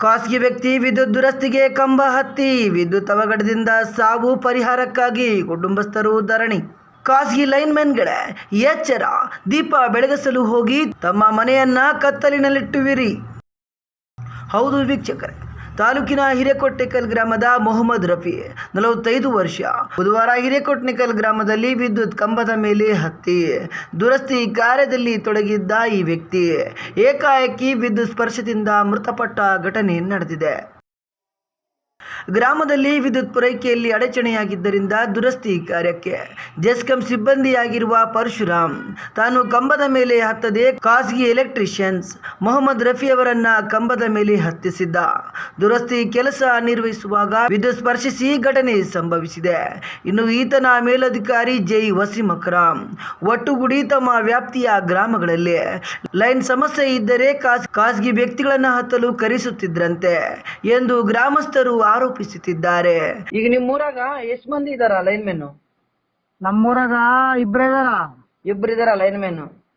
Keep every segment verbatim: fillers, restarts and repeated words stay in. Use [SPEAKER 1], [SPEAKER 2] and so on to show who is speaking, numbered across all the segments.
[SPEAKER 1] ಖಾಸಗಿ ವ್ಯಕ್ತಿ ವಿದ್ಯುತ್ ದುರಸ್ತಿಗೆ ಕಂಬ ಹತ್ತಿ ವಿದ್ಯುತ್ ಅವಘಡದಿಂದ ಸಾವು ಪರಿಹಾರಕ್ಕಾಗಿ ಕುಟುಂಬಸ್ಥರು ಧರಣಿ. ಖಾಸಗಿ ಲೈನ್ಮನ್ಗಳೇ ಎಚ್ಚರ, ದೀಪ ಬೆಳಗಿಸಲು ಹೋಗಿ ತಮ್ಮ ಮನೆಯನ್ನ ಕತ್ತಲಿನಲ್ಲಿಟ್ಟುವಿರಿ. ಹೌದು ವೀಕ್ಷಕರೇ, ತಾಲೂಕಿನ ಹಿರೇಕೊಟ್ಟೆಕಲ್ ಗ್ರಾಮದ ಮೊಹಮ್ಮದ್ ರಫಿ ನಲವತ್ತೈದು ವರ್ಷ ಬುಧವಾರ ಹಿರೇಕೊಟ್ಟೆಕಲ್ ಗ್ರಾಮದಲ್ಲಿ ವಿದ್ಯುತ್ ಕಂಬದ ಮೇಲೆ ಹತ್ತಿ ದುರಸ್ತಿ ಕಾರ್ಯದಲ್ಲಿ ತೊಡಗಿದ್ದ ಈ ವ್ಯಕ್ತಿ ಏಕಾಏಕಿ ವಿದ್ಯುತ್ ಸ್ಪರ್ಶದಿಂದ ಮೃತಪಟ್ಟ ಘಟನೆ ನಡೆದಿದೆ. ಗ್ರಾಮದಲ್ಲಿ ವಿದ್ಯುತ್ ಪೂರೈಕೆಯಲ್ಲಿ ಅಡಚಣೆಯಾಗಿದ್ದರಿಂದ ದುರಸ್ತಿ ಕಾರ್ಯಕ್ಕೆ ಜೆಸ್ಕಾಂ ಸಿಬ್ಬಂದಿಯಾಗಿರುವ ಪರಶುರಾಮ್ ತಾನು ಕಂಬದ ಮೇಲೆ ಹತ್ತದೆ ಖಾಸಗಿ ಎಲೆಕ್ಟ್ರಿಷಿಯನ್ಸ್ ಮೊಹಮ್ಮದ್ ರಫಿ ಅವರನ್ನ ಕಂಬದ ಮೇಲೆ ಹತ್ತಿಸಿದ್ದ. ದುರಸ್ತಿ ಕೆಲಸ ನಿರ್ವಹಿಸುವಾಗ ವಿದ್ಯುತ್ ಸ್ಪರ್ಶಿಸಿ ಘಟನೆ ಸಂಭವಿಸಿದೆ. ಇನ್ನು ಈತನ ಮೇಲಧಿಕಾರಿ ಜೈ ವಸೀಂ ಅಕ್ರಮ್ ಒಟ್ಟುಗೂಡಿ ತಮ್ಮ ವ್ಯಾಪ್ತಿಯ ಗ್ರಾಮಗಳಲ್ಲಿ ಲೈನ್ ಸಮಸ್ಯೆ ಇದ್ದರೆ ಖಾಸಗಿ ವ್ಯಕ್ತಿಗಳನ್ನ ಹತ್ತಲು ಕರೆಸುತ್ತಿದ್ರಂತೆ ಎಂದು ಗ್ರಾಮಸ್ಥರು ಆರೋಪಿಸುತ್ತಿದ್ದಾರೆ. ಈಗ ನಿಮ್ಮೂರಾಗ ಎಷ್ಟು ಮಂದಿ ಇದಾರ ಲೈನ್ ಮೆನ್?
[SPEAKER 2] ನಮ್ಮೂರಾಗ ಇಬ್ರೇ ಇದಾರ.
[SPEAKER 1] ಇಬ್ರು ಇದಾರ ಲೈನ್ ಮೆನ್.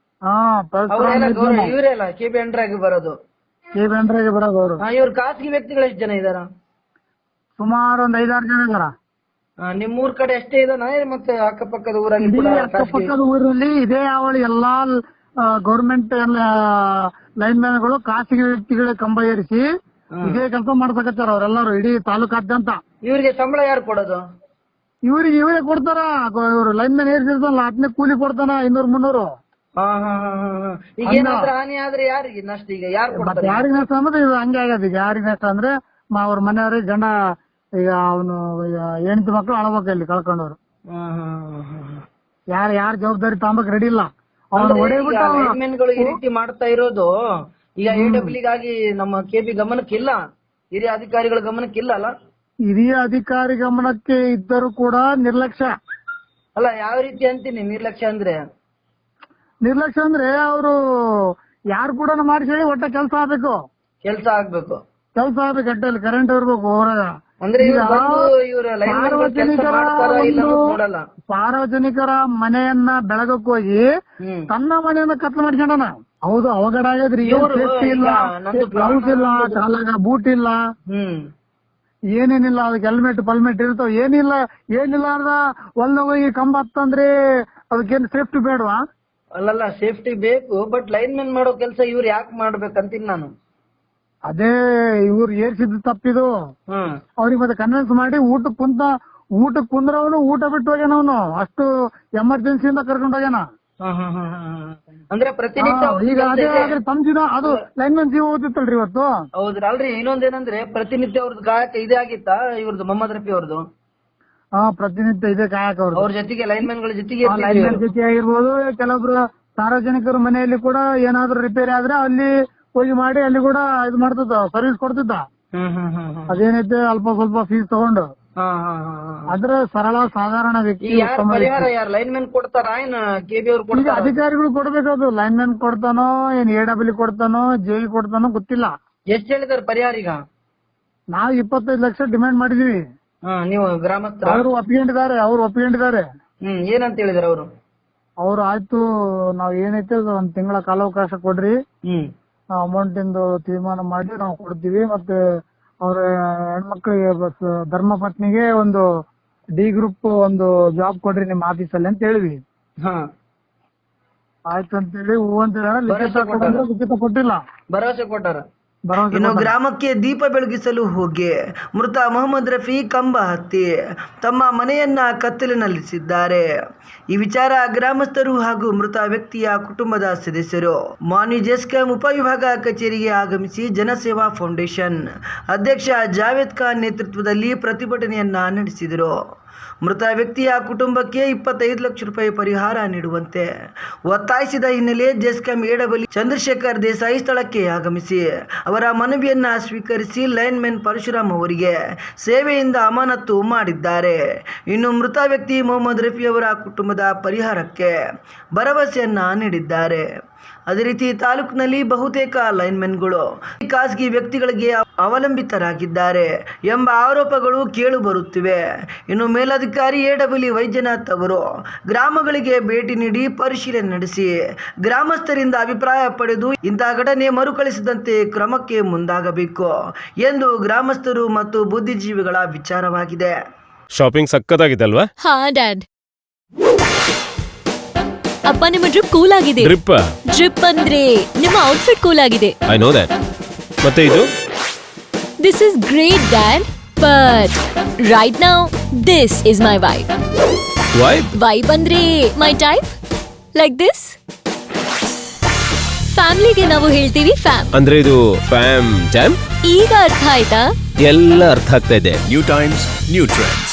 [SPEAKER 2] ಹಾ,
[SPEAKER 1] ಇವರೆಲ್ಲ ಕೆ ಬಿ ಅಂಡ್ರಾಗಿ ಬರೋದು.
[SPEAKER 2] ಕೆ ಬಿ ಅಂಡ್ರಾಗಿ ಬರೋದು ಅವರು.
[SPEAKER 1] ಇವ್ರ ಖಾಸಗಿ ವ್ಯಕ್ತಿಗಳು ಎಷ್ಟು ಜನ ಇದಾರ?
[SPEAKER 2] ಸುಮಾರು ಒಂದ್ ಐದಾರು ಜನ ಇದಾರ.
[SPEAKER 1] ನಿಮ್ಮೂರ್ ಕಡೆ ಎಷ್ಟೇ ಇದಾನ ಮತ್ತೆ ಅಕ್ಕಪಕ್ಕದ ಊರಲ್ಲಿ ಕೂಡ?
[SPEAKER 2] ಅಕ್ಕಪಕ್ಕದ ಊರಲ್ಲಿ ಇದೇ ಅವಳಿ ಎಲ್ಲಾ ಗೌರ್ಮೆಂಟ್ ಲೈನ್ ಮ್ಯಾನ್ ಗಳು ಖಾಸಗಿ ವ್ಯಕ್ತಿಗಳ ಕಂಬ ಏರಿಸಿ ಇದೇ ಕೆಲಸ ಮಾಡ್ಸಕತ್ತಾರ ಅವ್ರೆಲ್ಲಾರು ಇಡೀ ತಾಲೂಕಾದ್ಯಂತ.
[SPEAKER 1] ಇವ್ರಿಗೆ ಸಂಬಳ ಯಾರು ಕೊಡೋದು?
[SPEAKER 2] ಇವ್ರಿಗೆ ಇವರೇ ಕೊಡ್ತಾರ. ಇವ್ರು ಲೈನ್ ಮ್ಯಾನ್ ಏರಿಸಿರ್ತಾನಲ್ಲ ಅದನ್ನೇ ಕೂಲಿ ಕೊಡ್ತಾನ ಇನ್ನೂರ್ ಮುನ್ನೂರು.
[SPEAKER 1] ಈಗ ಏನಾದ್ರೂ ಹಾನಿ ಆದ್ರೆ ಯಾರಿಗೆ ನಷ್ಟ? ಈಗ ಯಾರು
[SPEAKER 2] ಯಾರಿಗೆ ನಷ್ಟ ಅಂದ್ರೆ ಇದು ಹಂಗೆ ಆಗ್ಯದ. ಈಗ ಯಾರಿಗೆ ನಷ್ಟ ಅಂದ್ರೆ ಅವ್ರ ಮನೆಯವ್ರಿಗೆ ಗಂಡ ಈಗ ಅವನು ಹೆಂಡತಿ ಮಕ್ಳು ಅಳಬೇಕು ಇಲ್ಲಿ ಕಳ್ಕೊಂಡವ್ರು. ಯಾರ ಯಾರ ಜವಾಬ್ದಾರಿ ತಾಂಬಕ್ ರೆಡಿ ಇಲ್ಲ. ಅವ್ನು
[SPEAKER 1] ಹೊಡೆಬಿಟ್ಟು ಈ ರೀತಿ ಮಾಡ್ತಾ ಇರೋದು ಈಗ ಎ ಡಬ್ಲ್ಯೂಗಾಗಿ ನಮ್ಮ ಕೆ ಬಿ ಗಮನಕ್ಕಿಲ್ಲ, ಹಿರಿಯ ಅಧಿಕಾರಿಗಳ ಗಮನಕ್ಕಿಲ್ಲ ಅಲ್ಲ?
[SPEAKER 2] ಹಿರಿಯ ಅಧಿಕಾರಿ ಗಮನಕ್ಕೆ ಇದ್ದರೂ ಕೂಡ ನಿರ್ಲಕ್ಷ್ಯ
[SPEAKER 1] ಅಲ್ಲ. ಯಾವ ರೀತಿ ಅಂತೀನಿ ನಿರ್ಲಕ್ಷ್ಯ ಅಂದ್ರೆ?
[SPEAKER 2] ನಿರ್ಲಕ್ಷ್ಯ ಅಂದ್ರೆ ಅವರು ಯಾರು ಕೂಡ ಮಾಡಿಸಿ ಒಟ್ಟ ಕೆಲಸ ಆಗ್ಬೇಕು.
[SPEAKER 1] ಕೆಲಸ ಆಗ್ಬೇಕು
[SPEAKER 2] ಕೆಲಸ ಆಗ್ಬೇಕು ಅಟ್ಟಲ್ಲಿ ಕರೆಂಟ್ ಇರ್ಬೇಕು ಹೊರಗ.
[SPEAKER 1] ಅಂದ್ರೆ
[SPEAKER 2] ಸಾರ್ವಜನಿಕರ ಮನೆಯನ್ನ ಬೆಳಗಕ್ ಹೋಗಿ ತನ್ನ ಮನೆಯನ್ನ ಕತ್ಲು ಮಾಡ್ಕೊಂಡನ. ಹೌದು, ಅವಘಡ ಆಗ್ಯದ್ರಿ. ಸೇಫ್ಟಿ ಇಲ್ಲ, ಗ್ಲೌಸ್ ಇಲ್ಲ, ಕಾಲಾಗ ಬೂಟ್ ಇಲ್ಲ, ಏನೇನಿಲ್ಲ. ಅದಕ್ಕೆ ಹೆಲ್ಮೆಟ್ ಪಲ್ಮೆಟ್ ಇರ್ತಾವ. ಏನಿಲ್ಲ ಏನಿಲ್ಲ ಅರ್ಧ ಒಳ್ಳೆ ಹೋಗಿ ಕಂಬ ಹತ್ತಂದ್ರೆ ಅದಕ್ಕೇನು ಸೇಫ್ಟಿ ಬೇಡವಾ?
[SPEAKER 1] ಅಲ್ಲಲ್ಲ, ಸೇಫ್ಟಿ ಬೇಕು, ಬಟ್ ಲೈನ್ ಮೆನ್ ಮಾಡೋ ಕೆಲಸ ಇವ್ರು ಯಾಕೆ ಮಾಡ್ಬೇಕಂತೀನಿ ನಾನು.
[SPEAKER 2] ಅದೇ ಇವ್ರು ಏರ್ಸಿದ್ ತಪ್ಪಿದು. ಅವ್ರಿಗೆ ಮತ್ತೆ ಕನ್ವಿನ್ಸ್ ಮಾಡಿ ಊಟಕ್ ಕುಂತ ಊಟಕ್ ಕುಂದ್ರವನು ಊಟ ಬಿಟ್ಟು ಹೋಗ್ಯಾನ. ಅವನು ಅಷ್ಟು ಎಮರ್ಜೆನ್ಸಿಯಿಂದ ಕರ್ಕೊಂಡ್ ಹೋಗ್ಯಾನ.
[SPEAKER 1] ಅಂದ್ರೆ ಪ್ರತಿನಿತ್ಯ
[SPEAKER 2] ಈಗ ಅದೇ ಆದ್ರೆ ತಮ್ಜಿನ ಅದು ಲೈನ್ ಮೆನ್ ಜೀವ ಓದಿತ್ತಲ್ರಿ ಇವತ್ತು.
[SPEAKER 1] ಹೌದ್ರಿ. ಅಲ್ರಿ, ಇನ್ನೊಂದೇನಂದ್ರೆ ಪ್ರತಿನಿತ್ಯ ಅವ್ರದ್ದು ಗಾಯಕ ಇದೇ ಆಗಿತ್ತಾ ಇವ್ರದ್ದು ಮೊಹಮ್ಮದ್ ರಫಿ ಅವ್ರದ್ದು?
[SPEAKER 2] ಹಾ, ಪ್ರತಿನಿತ್ಯ ಇದೇ ಕಾಯಕ ಅವ್ರದ್ದು.
[SPEAKER 1] ಅವ್ರ ಜೊತೆಗೆ ಲೈನ್ ಮೆನ್ ಗಳ ಜೊತೆಗೆ
[SPEAKER 2] ಲೈನ್ ಮೆನ್ ಜೊತೆ ಆಗಿರ್ಬೋದು. ಕೆಲವೊಬ್ರು ಸಾರ್ವಜನಿಕರ ಮನೆಯಲ್ಲಿ ಕೂಡ ಏನಾದ್ರು ರಿಪೇರಿ ಆದ್ರೆ ಅಲ್ಲಿ ಹೋಗಿ ಮಾಡಿ ಅಲ್ಲಿ ಕೂಡ ಇದು ಮಾಡ್ತಿದ್ದ, ಸರ್ವಿಸ್ ಕೊಡ್ತಿದ್ದ. ಅದೇನೈತೆ ಅಲ್ಪ ಸ್ವಲ್ಪ ಫೀಸ್ ತಗೊಂಡು. ಅದ್ರ ಸರಳ ಸಾಧಾರಣ ವ್ಯಕ್ತಿ
[SPEAKER 1] ಲೈನ್ ಮೆನ್ ಕೊಡ್ತಾರ
[SPEAKER 2] ಅಧಿಕಾರಿಗಳು ಕೊಡ್ಬೇಕದು. ಲೈನ್ ಮೆನ್ ಕೊಡ್ತಾನೋ ಏನ್ ಎ ಡಬ್ಲ್ಯೂ ಕೊಡ್ತಾನೋ ಜೆ ಕೊಡ್ತಾನೋ ಗೊತ್ತಿಲ್ಲ.
[SPEAKER 1] ಎಷ್ಟ್ ಹೇಳಿದಾರೆ ಪರಿಹಾರ? ಈಗ
[SPEAKER 2] ನಾವ್ ಇಪ್ಪತ್ತೈದು ಲಕ್ಷ ಡಿಮ್ಯಾಂಡ್ ಮಾಡಿದೀವಿ.
[SPEAKER 1] ನೀವು ಗ್ರಾಮಸ್ಥರು?
[SPEAKER 2] ಅವ್ರು ಒಪ್ಕೊಂಡಿದ್ದಾರೆ. ಅವ್ರು ಒಪ್ಕೊಂಡಿದ್ದಾರೆ.
[SPEAKER 1] ಹ್ಮ್ ಏನಂತ ಹೇಳಿದಾರೆ ಅವರು?
[SPEAKER 2] ಅವ್ರು ಆಯ್ತು, ನಾವ್ ಏನೈತೆ ಒಂದ್ ತಿಂಗಳ ಕಾಲಾವಕಾಶ ಕೊಡ್ರಿ, ಅಮೌಂಟ್ ಇಂದು ತೀರ್ಮಾನ ಮಾಡಿ ನಾವು ಕೊಡ್ತೀವಿ. ಮತ್ತೆ ಅವ್ರ ಹೆಣ್ಮಕ್ಳಿಗೆ ಧರ್ಮ ಪತ್ನಿಗೆ ಒಂದು ಡಿ ಗ್ರೂಪ್ ಒಂದು ಜಾಬ್ ಕೊಡ್ರಿ ನಿಮ್ ಆಫೀಸಲ್ಲಿ ಅಂತ ಹೇಳಿವಿ. ಆಯ್ತು ಅಂತೇಳಿ ಹೂ ಅಂತ ಲಿಖಿತ ಕೊಟ್ಟಿಲ್ಲ,
[SPEAKER 1] ಭರವಸೆ ಕೊಟ್ಟಾರ. ಇನ್ನು ಗ್ರಾಮಕ್ಕೆ ದೀಪ ಬೆಳಗಿಸಲು ಹೋಗಿ ಮೃತ ಮೊಹಮ್ಮದ್ ರಫಿ ಕಂಬ ಹತ್ತಿ ತಮ್ಮ ಮನೆಯನ್ನ ಕತ್ತಲಿನಲ್ಲಿಸಿದ್ದಾರೆ. ಈ ವಿಚಾರ ಗ್ರಾಮಸ್ಥರು ಹಾಗೂ ಮೃತ ವ್ಯಕ್ತಿಯ ಕುಟುಂಬದ ಸದಸ್ಯರು ಮಾನ್ಯ ಜೆಸ್ಕಾಂ ಉಪವಿಭಾಗ ಕಚೇರಿಗೆ ಆಗಮಿಸಿ ಜನಸೇವಾ ಫೌಂಡೇಶನ್ ಅಧ್ಯಕ್ಷ ಜಾವೇದ್ ಖಾನ್ ನೇತೃತ್ವದಲ್ಲಿ ಪ್ರತಿಭಟನೆಯನ್ನ ನಡೆಸಿದರು. ಮೃತ ವ್ಯಕ್ತಿಯ ಕುಟುಂಬಕ್ಕೆ ಇಪ್ಪತ್ತೈದು ಲಕ್ಷ ರೂಪಾಯಿ ಪರಿಹಾರ ನೀಡುವಂತೆ ಒತ್ತಾಯಿಸಿದ ಹಿನ್ನೆಲೆ ಜೆಸ್ಕಾಂ ಎ ಡಬ್ಲ್ಯೂ ಚಂದ್ರಶೇಖರ್ ದೇಸಾಯಿ ಸ್ಥಳಕ್ಕೆ ಆಗಮಿಸಿ ಅವರ ಮನವಿಯನ್ನ ಸ್ವೀಕರಿಸಿ ಲೈನ್ ಮೆನ್ ಪರಶುರಾಮ್ ಅವರಿಗೆ ಸೇವೆಯಿಂದ ಅಮಾನತು ಮಾಡಿದ್ದಾರೆ. ಇನ್ನು ಮೃತ ವ್ಯಕ್ತಿ ಮೊಹಮ್ಮದ್ ರಫಿ ಅವರ ಕುಟುಂಬದ ಪರಿಹಾರಕ್ಕೆ ಭರವಸೆಯನ್ನ ನೀಡಿದ್ದಾರೆ. ಅದೇ ರೀತಿ ತಾಲೂಕಿನಲ್ಲಿ ಬಹುತೇಕ ಲೈನ್ಮೆನ್ಗಳು ಖಾಸಗಿ ವ್ಯಕ್ತಿಗಳಿಗೆ ಅವಲಂಬಿತರಾಗಿದ್ದಾರೆ ಎಂಬ ಆರೋಪಗಳು ಕೇಳು ಬರುತ್ತಿವೆ. ಇನ್ನು ಮೇಲಧಿಕಾರಿ ಎ ಡಬ್ಲ್ಯೂ ವೈದ್ಯನಾಥ್ ಅವರು ಗ್ರಾಮಗಳಿಗೆ ಭೇಟಿ ನೀಡಿ ಪರಿಶೀಲನೆ ನಡೆಸಿ ಗ್ರಾಮಸ್ಥರಿಂದ ಅಭಿಪ್ರಾಯ ಪಡೆದು ಇಂತಹ ಘಟನೆ ಮರುಕಳಿಸದಂತೆ ಕ್ರಮಕ್ಕೆ ಮುಂದಾಗಬೇಕು ಎಂದು ಗ್ರಾಮಸ್ಥರು ಮತ್ತು ಬುದ್ಧಿಜೀವಿಗಳ ವಿಚಾರವಾಗಿದೆ.
[SPEAKER 3] ಶಾಪಿಂಗ್ ಸಕ್ಕತ್ತಾಗಿದೆ ಅಲ್ವಾ?
[SPEAKER 4] ಹಾ ಡ್ಯಾಡ್. ಅಪ್ಪ ನಿಮ್ಮ ಡ್ರಿಪ್ ಕೂಲ್ ಆಗಿದೆ.
[SPEAKER 3] ಡ್ರಿಪ್
[SPEAKER 4] ಡ್ರಿಪ್ ಅಂದ್ರೆ ನಿಮ್ಮ ಔಟ್ಫಿಟ್ ಕೂಲ್ ಆಗಿದೆ.
[SPEAKER 3] I know that. ಮತ್ತೆ ಇದು
[SPEAKER 4] this is great dad, but right now this is my vibe.
[SPEAKER 3] Vibe
[SPEAKER 4] vibe ಅಂದ್ರೆ ಮೈ ಟೈಪ್, ಲೈಕ್ ದಿಸ್. ಫ್ಯಾಮಿಲಿಗೆ ನಾವು ಹೇಳ್ತೀವಿ ಫ್ಯಾಮ್.
[SPEAKER 3] ಅಂದ್ರೆ ಇದು ಫ್ಯಾಮ್ ಜಾಮ್.
[SPEAKER 4] ಈಗ ಅರ್ಥ ಆಯ್ತಾ?
[SPEAKER 3] ಎಲ್ಲ ಅರ್ಥ ಆಗ್ತಾ ಇದೆ.
[SPEAKER 5] New times, new trends.